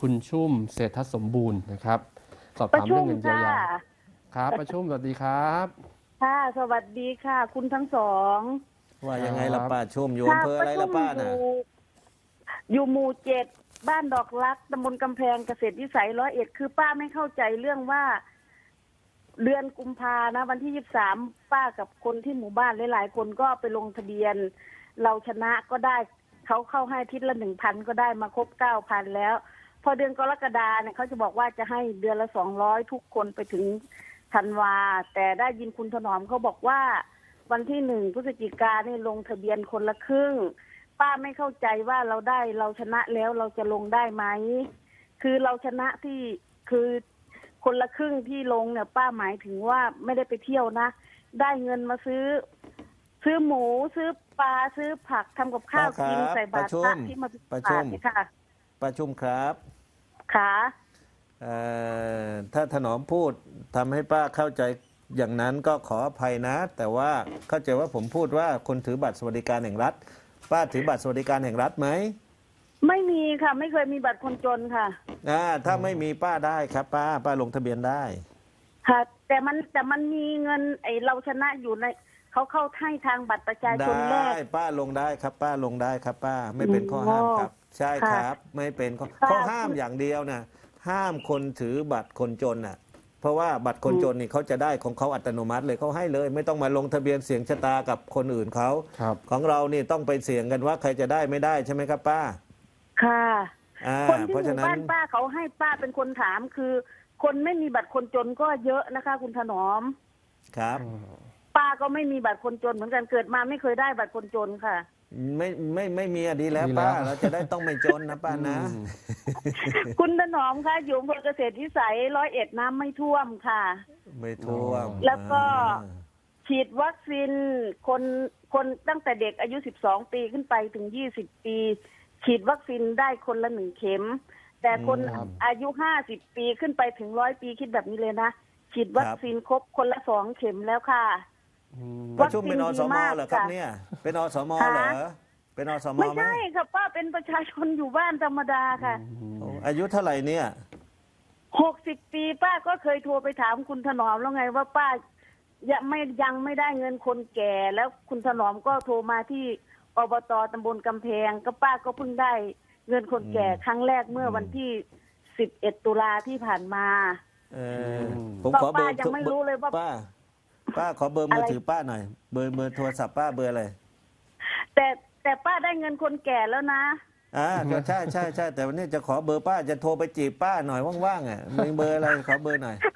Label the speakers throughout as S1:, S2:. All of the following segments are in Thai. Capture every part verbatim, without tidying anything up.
S1: คุณชุ่มเศรษฐสมบูรณ์นะครับสอบ
S2: ประ
S1: ถาม
S2: ชุ
S1: เรื่อ
S2: ม
S1: งเงินเยีย
S2: ค่ะ
S1: วยาครับประชุมสวัสดีครับ
S2: ค่ะสวัสดีค่ะ คุณทั้งสอง
S3: ว่ายังไงล่ะ
S1: ครับ
S3: ป้าชุ่มอยู่
S2: ค่ะ
S3: อำเภอ
S2: ป
S3: อะไร
S2: ระชุ
S3: ล่ะ
S2: ม
S3: ป้า
S2: อยู่
S3: น่ะ
S2: อยู่หมู่เจ็ดบ้านดอกรักตำบลกำแพงเกษตรวิสัยร้อยเอ็ดคือป้าไม่เข้าใจเรื่องว่า เดือนกุมภานะ วันที่ยี่สิบสามป้ากับคนที่หมู่บ้านหลายๆคนก็ไปลงทะเบียน เราชนะก็ได้เขาเข้าให้อาทิตย์ละหนึ่งพันก็ได้มาครบเก้าพันแล้ว พอเดือนกรกฎาเนี่ยเขาจะบอกว่าจะให้เดือนละสองร้อยทุกคนไปถึงธันวาแต่ได้ยินคุณถนอมเขาบอกว่า วันที่หนึ่งพฤศจิกาเนี่ยลงทะเบียนคนละครึ่งป้าไม่เข้าใจว่าเราได้เราชนะแล้วเราจะลงได้ไหมคือเราชนะที่คือคนละครึ่งที่ลงเนี่ยป้าหมายถึงว่าไม่ได้ไปเที่ยวนะได้เงินมาซื้อ ซื้อหมูซื้อปลาซื้อผักทำกับข้าวกินใส่บาตรพระที่มาบิณฑบาตเนี่ยค่ะ
S3: ป้าชุ่มครับ
S2: ค่ะ
S3: เอ่อถ้าถนอมพูดทำให้ป้าเข้าใจอย่างนั้นก็ขออภัยนะ แต่ว่าเข้าใจว่าผมพูดว่าคนถือบัตรสวัสดิการแห่งรัฐ ป้าถือบัตรสวัสดิการแห่งรัฐไหม
S2: ไม่มีค่ะ ไม่เคยมีบัตรคนจนค่ะ
S3: อ่าถ้าไม่มีป้าได้ครับป้าป้าลงทะเบียนได้
S2: ค่ะ แต่มันแต่มันมีเงินไอเราชนะอยู่ในเขาเข้าให้ทางบัตรประชาชนแร
S3: ได้
S2: ก
S3: ป้าลงได้ครับ ป้าลงได้ครับ ป้าไม่เป็นข้อห้ามครับ ใช่ครับ ไม่เป็นข้อ
S2: ค่ะ
S3: ข้อห้ามอย่างเดียวนะห้ามคนถือบัตรคนจนน่ะ เพราะว่าบัตรคนจนนี่เขาจะได้ของเขาอัตโนมัติเลยเขาให้เลย ไม่ต้องมาลงทะเบียนเสี่ยงชะตากับคนอื่นเขา
S1: ครับ
S3: ของเรานี่ต้องไปเสี่ยงกันว่าใครจะได้ไม่ได้ใช่ไหมครับป้า
S2: ค่ะ
S3: อ่า
S2: คนที่
S3: เพราะ
S2: ห
S3: ฉะ
S2: มู่
S3: นั้น
S2: บ้านป้าเขาให้ป้าเป็นคนถามคือ คนไม่มีบัตรคนจนก็เยอะนะคะ คุณถนอม
S3: ครับ
S2: ป้าก็ไม่มีบัตรคนจนเหมือนกันเกิดมาไม่เคยได้บัตรคนจนค่ะ
S3: ไม่ไม่ไม่มีอะดีแล้ว
S1: ดีแล้ว
S3: ป้าเราจะได้ต้องไม่จนนะป้านะ
S1: อืม
S2: คุณถนอมคะอยู่อำเภอเกษตรวิสัยร้อยเอ็ดน้ำไม่ท่วมค่ะ
S3: ไม่ท่วม
S2: แล้วก็
S3: อ่า
S2: ฉีดวัคซีนคนคนตั้งแต่เด็กอายุสิบสองปีขึ้นไปถึงยี่สิบปี ฉีดวัคซีนได้คนละหนึ่งเข็ม แต่คน
S1: ครับ
S2: อายุห้าสิบปีขึ้นไปถึงร้อยปีคิดแบบนี้เลยนะฉีดวัคซีนครบคนละสองเข็มแล้วค่ะ
S1: อืม
S3: ประชุมเป็นอสมเหรอครับ
S2: ค่ะ
S3: เนี่ย เป็นอสมเหรอ เป็นอสม
S2: ไม่
S3: ไหม
S2: ใช่ค่ะป้าเป็นประชาชนอยู่บ้านธรรมดาค่ะ
S3: โอ้อายุเท่าไหร่เนี่ย
S2: หกสิบปีป้าก็เคยโทรไปถามคุณถนอมแล้วไงว่าป้ายังไม่ยังไม่ได้เงินคนแก่ แล้วคุณถนอมก็โทรมาที่อบตตำบลกำแพงก็ป้าก็เพิ่งได้เงินคนแก่ครั้งแรกเมื่อวันที่สิบเอ็ดตุลาที่ผ่านมา
S3: เออผม
S2: ก็
S3: ขอเบอ
S2: ป้า
S3: ร์
S2: ยังไม่รู้เลยว่า
S3: ป้า ป้าขอเบอร์มือ
S2: อะไร
S3: ถือป้าหน่อย เบอร์เบอร์โทรศัพท์ป้าเบอร์อะไร
S2: แต่แต่ป้าได้เงินคนแก่แล้วนะ
S3: อ่าก็ใช่ใช่ใช่แต่วันนี้จะขอเบอร์ป้าจะโทรไปจีบป้าหน่อยว่างๆอ่ะมีเบอร์อะไรขอเบอร์หน่อย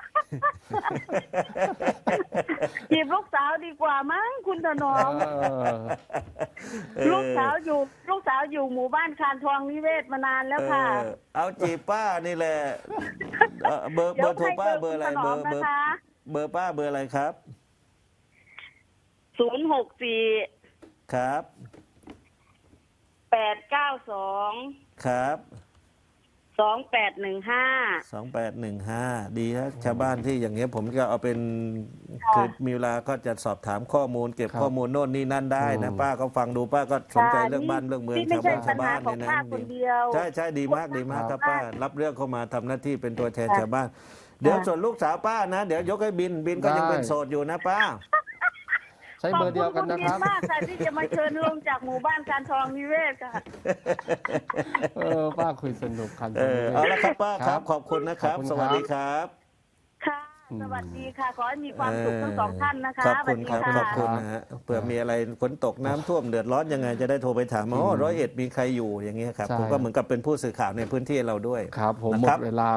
S2: จีบลูกสาวดีกว่ามั้งคุณถนอม
S1: เออ
S2: ลูกสาวอยู่ลูกสาวอยู่หมู่บ้านคานทองนิเวศมานานแล้วค่ะ
S3: เออเอาจีบป้านี่แหละเอ่อเบอร์เบ
S2: เดี๋
S3: อ
S2: ยว
S3: ร์โทร
S2: ให้
S3: ป้า
S2: เบ
S3: เบ
S2: อ
S3: อ
S2: ร์
S3: ร์
S2: คุ
S3: อะไร
S2: ณถน
S3: เบ
S2: อ
S3: อ
S2: ม
S3: ร์เบอ
S2: นะ
S3: ร์
S2: คะ
S3: เบอร์ป้าเบอร์อะไรครับ
S2: ศูนย์หกสี่
S3: ครับ
S2: แปดเก้าสอง
S3: ครับ
S2: สองแปดหนึ่งห้า
S3: สองแปดหนึ่งห้าดีฮะชาวบ้านที่อย่างเงี้ยผมก็เอาเป็นคือมีเวลาก็จะสอบถามข้อมูล เก็บ
S1: ครับ
S3: ข้อมูลโน่นนี่นั่นได้นะ
S1: อืม
S3: ป้าก็ฟังดูป้าก็สนใจเรื่องบ้านเรื่องเมือง
S2: นี่ไม่
S3: ชาว
S2: ใช่
S3: บ้าน
S2: ปั
S3: ชา
S2: ญ
S3: ว
S2: หา
S3: บ้าน
S2: ของ
S3: เนี่ยนะ
S2: ป้าคนเดียว
S3: ใช่ใช่ดีมากดีมากครับป้า รับเรื่องเข้ามาทำหน้าที่เป็นตัวแทน
S2: ค่ะ
S3: ชาวบ้าน เดี๋ยว
S2: ค่ะ
S3: ส่วนลูกสาวป้านะ เดี๋ยวยกให้บินบินก็ยัง
S1: ได้
S3: เป็นโสดอยู่นะป้า
S1: ใช้เบอร์เดียวกันนะ
S2: ข
S1: ค
S2: อบ
S1: รับ
S2: คุณณบิมากค่ะที่จะมาเชิญลงจากหมู่บ้านการทองนิเวศค่ะ
S1: เออป้าคุยสนุกคัน
S3: เออเอาละครับป้าค
S1: ครั
S3: รับ
S1: บ
S3: ขอบคุณนะครับ
S1: ขอบคุณ
S3: สวัส
S1: ครับ
S3: ดีครับ
S2: ค่ะ สวัสดีค่ะ ขอให้มีความสุขทั้งสองท่านนะคะ
S3: ขอบคุณครับ
S2: สวัสดี
S3: ขอบคุณนะฮะเผื่อมีอะไรฝนตกน้ำท่วมเดือดร้อนยังไงจะได้โทรไปถามอ๋อร้อยเอ็ดมีใครอยู่อย่างเงี้ยครับ
S1: ใช่
S3: ผมก็เหมือนกับเป็นผู้สื่อข่าวในพื้นที่เราด้วย
S1: ครับผมหม
S3: นะครั
S1: ด
S3: บ
S1: เวลา